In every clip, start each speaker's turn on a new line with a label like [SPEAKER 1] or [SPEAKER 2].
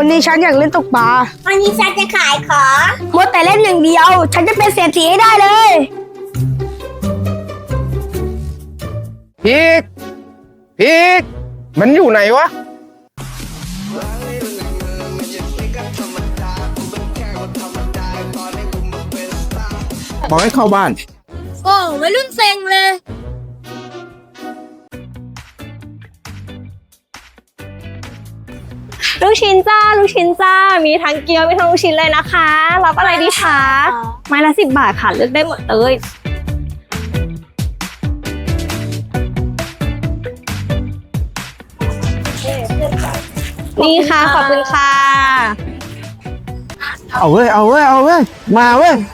[SPEAKER 1] วันนี้ฉันอยากเล่นตกปลา
[SPEAKER 2] วันนี้ฉันจะขายของ
[SPEAKER 1] มัวแต่เล่นอย่างเดียว ฉันจะเป็นเศรษฐีให้ได้เลย
[SPEAKER 3] พีกพีกมันอยู่ไหนวะบอกให้เข้าบ้าน
[SPEAKER 1] โอ้วัยรุ่นเซ็งเลย
[SPEAKER 4] ลูกชิ้นจ้าลูกชิ้นจ้ามีทั้งเกี๊ยวมีทั้งลูกชิ้นเลยนะคะรับอะไรดีคะไม้ละ10 บาทค่ะเลือกได้หมดเลยนี่ค่ะขอบคุณค่ะ
[SPEAKER 3] เอาเว้ยเอาเว้ยเอาเว้ยมาเว้ย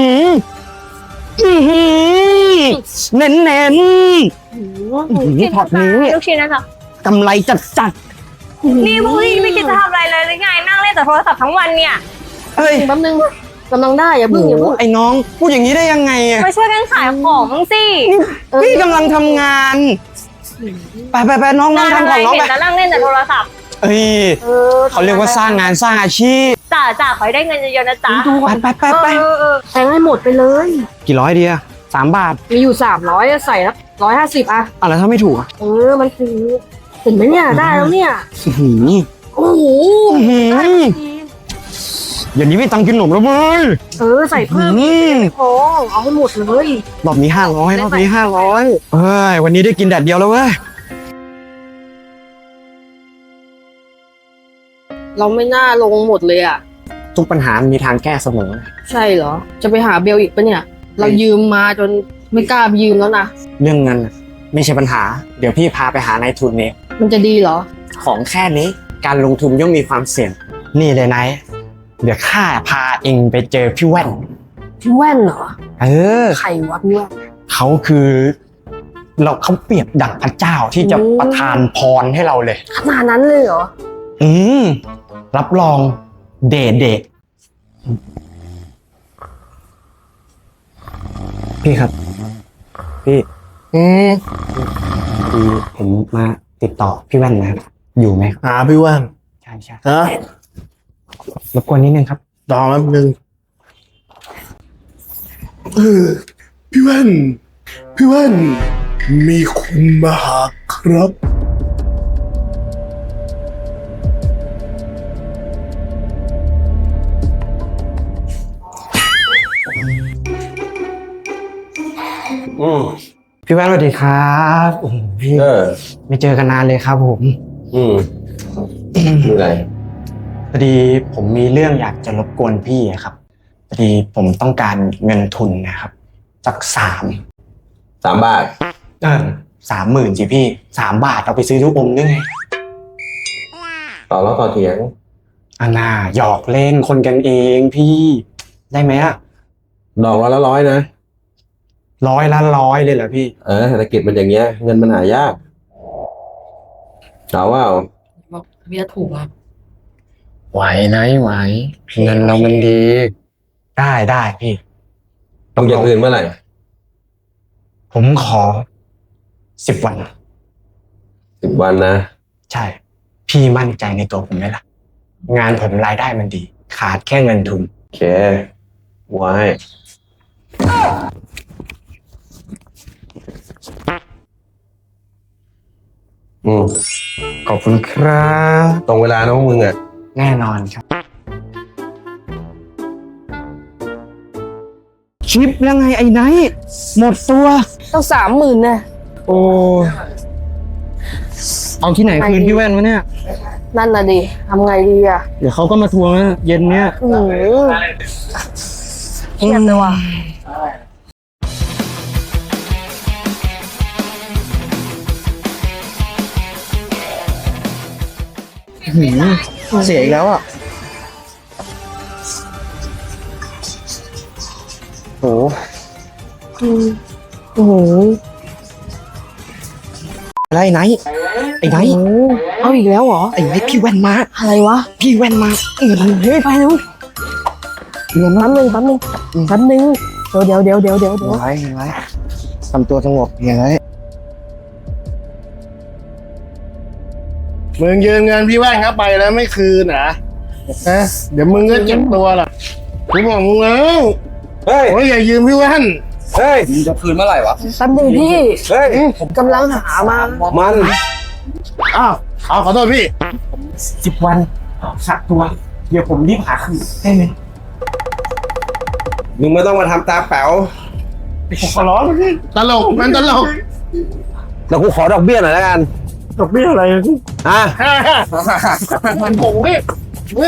[SPEAKER 3] เน้นเน้นถอดนี้
[SPEAKER 4] ลูกชิ้นนะคะ
[SPEAKER 3] กำไรจัดจัด
[SPEAKER 4] นี่พวกพี่ไม่คิดจะทำอะไรเลยหรือไงนั่งเล่นแต่โทรศัพท์ทั้งวันเนี่ย
[SPEAKER 3] เอ้ย
[SPEAKER 1] แป๊บนึงกำลังได้อย่าเพิ่งอย่าเพิ่ง
[SPEAKER 3] ไอ้น้องพูดอย่างนี้ได้ยังไงอะ
[SPEAKER 4] มาช่วยกันขายของบ้างสิ
[SPEAKER 3] พี่กำลังทำงานไปน้องน้อง
[SPEAKER 4] งาน
[SPEAKER 3] ทำ
[SPEAKER 4] อะไร
[SPEAKER 3] ของน้อง
[SPEAKER 4] เห็น
[SPEAKER 3] ไป
[SPEAKER 4] แล้วนั่งเล่นแต่โทรศัพท์
[SPEAKER 3] เอ้ยเขาเรียกว่าสร้างงานสร้างอาชีพ
[SPEAKER 4] จ่าขอให้ได้เงินเยอะๆนะจ๊ะ
[SPEAKER 3] ไป
[SPEAKER 1] แทงให้หมดไปเลย
[SPEAKER 3] กี่ร้อยดีอะ3 บาท
[SPEAKER 1] มีอยู่300ใส่ละ150อ่ะ
[SPEAKER 3] อะไรถ้าไม่ถูกอะ
[SPEAKER 1] มันคือเห็นไหมเนี่ยได้แล้วเนี่ย
[SPEAKER 3] อื้อหือ
[SPEAKER 1] โอ้โห
[SPEAKER 3] อื้อหืออย่างนี้ไม่ตังค์กินขนมแล้วเว้ย
[SPEAKER 1] ใส่เพิ่ม
[SPEAKER 3] อื้อ
[SPEAKER 1] พอเอาให้หมดเลย
[SPEAKER 3] รอบนี้500รอบนี้500เฮ้ยวันนี้ได้กินแดดเดียวแล้วเว้ย
[SPEAKER 1] เราไม่น่าลงหมดเลยอ่ะ
[SPEAKER 3] ทุกปัญหามีทางแก้เสมอ
[SPEAKER 1] ใช่เหรอจะไปหาเบลอีกปะเนี่ย เรายืมมาจนไม่กล้ายืมแล้วนะ
[SPEAKER 3] เรื่องเงินน่ะไม่ใช่ปัญหา เดี๋ยวพี่พาไปหานายทุนเอง
[SPEAKER 1] มันจะดีเหรอ
[SPEAKER 3] ของแค่นี้การลงทุนย่อมมีความเสี่ยงนี่เลยนายเดี๋ยวข้าพาเองไปเจอพี่แว่น
[SPEAKER 1] พี่แว่นเหรอ
[SPEAKER 3] เออ
[SPEAKER 1] ใครวะพี่แว่น
[SPEAKER 3] เขาคือเขาเปรียบดั่งพระเจ้าที่จะ
[SPEAKER 1] อืม
[SPEAKER 3] ประทานพรให้เราเลย
[SPEAKER 1] ขนาดนั้นเลยเหรอ
[SPEAKER 3] อืมรับรองเดทพี่ครับ พี่คือผมมาติดต่อพี่แว่นนะครับอยู่ไหม
[SPEAKER 5] หาพี่แว่น
[SPEAKER 3] ใช่
[SPEAKER 5] ฮะ
[SPEAKER 3] รบกวนนิดนึงครับ
[SPEAKER 5] รอแป๊บนึงพี่แว่น พี่แว่น มีคนมาหาครับ
[SPEAKER 3] พี่แว่นสวัสดีครับโอ้โหพี่ไม่เจอกันนานเลยครับผม
[SPEAKER 6] มีอะไร
[SPEAKER 3] พอดีผมมีเรื่องอยากจะรบกวนพี่อะครับพอดีผมต้องการเงินทุนนะครับสัก
[SPEAKER 6] 3 บาท
[SPEAKER 3] 30,000สิพี่3 บาทเอาไปซื้อลูกอมได้ไง
[SPEAKER 6] ต่อแล้วต่อเถียง
[SPEAKER 3] อันน่าหยอกเล่นคนกันเองพี่ได้ไหมอะ
[SPEAKER 6] ดอกละ100นะ
[SPEAKER 3] 100 ละ 100เลยเหรอพี่
[SPEAKER 6] เศรษฐกิจมันอย่างเงี้ย เงินมันหายากเอาว่า
[SPEAKER 1] บอกเบียร์ถูกอ่ะ
[SPEAKER 3] ไหวนะไหวเงินเรามันดีได้พี่
[SPEAKER 6] ต้องอย่างอื่นเมื่อไหร่
[SPEAKER 3] ผมขอ10 วัน
[SPEAKER 6] 10 วันนะ
[SPEAKER 3] ใช่ พี่มั่นใจในตัวผมไหมล่ะ งานผมรายได้มันดี ขาดแค่เงินทุน
[SPEAKER 6] โอเค ไว้
[SPEAKER 3] ขอบคุณครับ
[SPEAKER 6] ตรงเวลานะพวกมึงอ่ะ
[SPEAKER 3] แน่นอนครับชิปแล้วไงไอ้ไนท์หมดตัว
[SPEAKER 1] ต้อง30,000นะ
[SPEAKER 3] โอ้เอาที่ไหนคืนพี่แว่นวะเนี่ย
[SPEAKER 1] นั่นน่ะดิทำไงดีอ่ะ
[SPEAKER 3] เดี๋ยวเขาก็มาทวงนะเย็นเนี้ย
[SPEAKER 1] เครียดเลยว่ะ
[SPEAKER 3] เสียอีกแล้วอ่ะโห
[SPEAKER 1] โอ้โห
[SPEAKER 3] อะไรไอ้ไนท์
[SPEAKER 1] เอาอีกแล้วเหรอ
[SPEAKER 3] ไอ้ไนท์พี่แว่นมา
[SPEAKER 1] อะไรวะ
[SPEAKER 3] พี่แว่นมาเงินเฮ้ย
[SPEAKER 1] ไปเร็วเดี๋ยวแป๊บนึงเดี๋ยว
[SPEAKER 3] ไว้ทำตัวสงบอย่างไร
[SPEAKER 5] มึงยืมเงินพี่แว่นครับไปแล้วไม่คืนนะนะเดี๋ยวมึงก็เจ็บตัวล่ะกูบอกมึงแล้ว
[SPEAKER 6] เฮ้ย
[SPEAKER 5] โอ้ยอย่ายืมพี่แว่น
[SPEAKER 6] เฮ้ย
[SPEAKER 7] จะคืนเมื่อไหร่วะ
[SPEAKER 1] แป๊บนึงพี่
[SPEAKER 6] เฮ้ย
[SPEAKER 1] ผมกำลังหามา
[SPEAKER 6] มัน
[SPEAKER 5] อ้าวขอโทษพี่
[SPEAKER 3] 10 วันสักตัว เดี๋ยวผมรีบหาคืนได้ไหม
[SPEAKER 6] มึงไม่ต้องมาทำตาแป๋ว
[SPEAKER 5] ผมขอร้องพี่ตลกมันตลก
[SPEAKER 6] แล้วกูขอดอกเบี้ยหน่อยแล้วกัน
[SPEAKER 5] ดอกเบี้ยอะไรพี่
[SPEAKER 6] อ่ะ
[SPEAKER 5] มันผมพี่พี่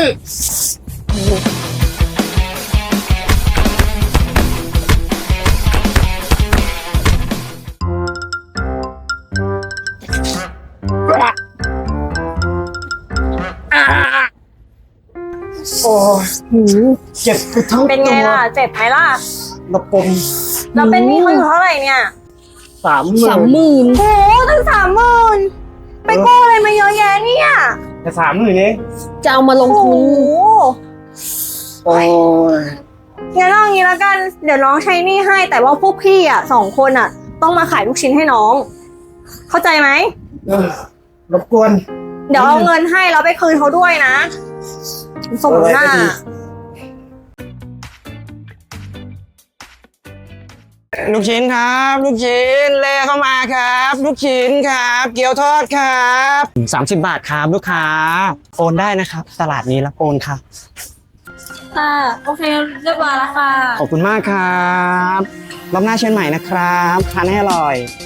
[SPEAKER 3] โอ้เจ็บไปทั้ง
[SPEAKER 4] เป็นไงล่ะ เจ็บไหมล่ะ
[SPEAKER 3] ระปม
[SPEAKER 4] เราเป็นหนี้เขาอยู่เท่าไหร่เนี่ย
[SPEAKER 1] 30,000
[SPEAKER 4] โอ้ตั้ง30,000ไปกู้อะไรมาเยอะแยะเนี่ย
[SPEAKER 5] จะ30,000เอง
[SPEAKER 1] จะเอามาลง
[SPEAKER 4] โอ้
[SPEAKER 1] ทุน
[SPEAKER 4] โห
[SPEAKER 5] โอ้ย
[SPEAKER 4] งั้นเอางี้แล้วกัน เดี๋ยวน้องใช้หนี้ให้ แต่ว่าพวกพี่อ่ะ2 คนอ่ะ ต้องมาขายลูกชิ้นให้น้อง เข้าใจไหม
[SPEAKER 3] รบกวน
[SPEAKER 4] เดี๋ยวเอาเงินให้แล้วไปคืนเขาด้วยนะสมหน้า
[SPEAKER 3] ลูกชิ้นครับ ลูกชิ้นเลเข้ามาครับ ลูกชิ้นครับ เกี๊ยวทอดครับ30 บาทครับลูกค้าโอนได้นะครับ ตลาดนี้รับโอนครับ
[SPEAKER 4] ค่ะ โอเคเรียบร้อยแล้วค่ะ
[SPEAKER 3] ขอบคุณมากครับรอบหน้าเชิญใหม่นะครับทานให้อร่อย